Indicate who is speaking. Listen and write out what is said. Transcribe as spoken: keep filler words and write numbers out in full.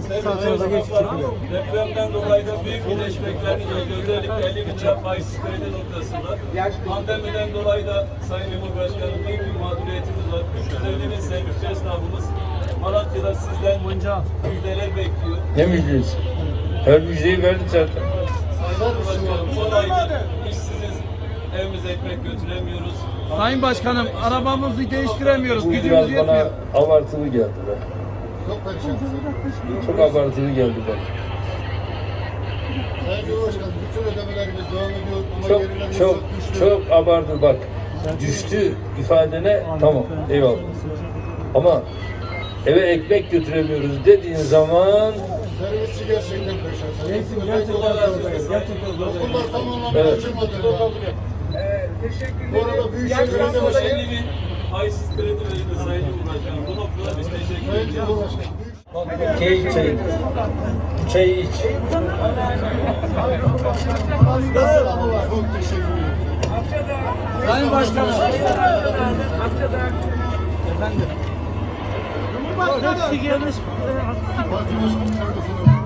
Speaker 1: Depremden dolayı da büyük güneş bekleniyor. Özellikle elli bin lira faizsiz kredi noktasında. Pandemiden dolayı da Sayın Cumhurbaşkanım büyük bir mağduriyetimiz var. üç yüz elli bin sevgili esnafımız Malatya'da sizden müjdeler bekliyor.
Speaker 2: Ne müjdesi? Her müjdeyi verdik zaten.
Speaker 1: Sayın Cumhurbaşkanım on aydır işsiziz. Evimize ekmek götüremiyoruz.
Speaker 3: Sayın Başkanım, arabamızı değiştiremiyoruz.
Speaker 2: Bu
Speaker 3: Gücümüz
Speaker 2: biraz bana
Speaker 3: yetmiyor.
Speaker 2: abartılı geldi be.
Speaker 4: Çok perişansın.
Speaker 2: Çok abartılı geldi bana.
Speaker 4: Sayın Cumhurbaşkanım, bütün ödemelerimiz devam ediyor ama
Speaker 2: Çok
Speaker 4: gerilerimiz
Speaker 2: çok
Speaker 4: düştü.
Speaker 2: çok abartı bak. Düştü ifadene tamam eyvallah. Ama eve ekmek götüremiyoruz dediğin zaman
Speaker 4: Servisçi gerçekten perişan.
Speaker 3: Neyse, gerçekten gerçekten zor.
Speaker 4: Okullar tam anlamda
Speaker 2: Evet.
Speaker 4: açılmadı. Bu arada Büyükşehir Belediye
Speaker 1: elli
Speaker 4: Başkanı,
Speaker 1: bin faizsiz kredi verildi Sayın Cumhurbaşkanım. Bu noktada biz teşekkür
Speaker 4: Sayın
Speaker 1: ediyoruz.
Speaker 4: Cumhurbaşkanı,
Speaker 2: keyif çayı. Bu çayı iç.
Speaker 4: çok teşekkür ederim.
Speaker 3: Sayın Başkanım. Efendim.
Speaker 4: Parti Başkanı,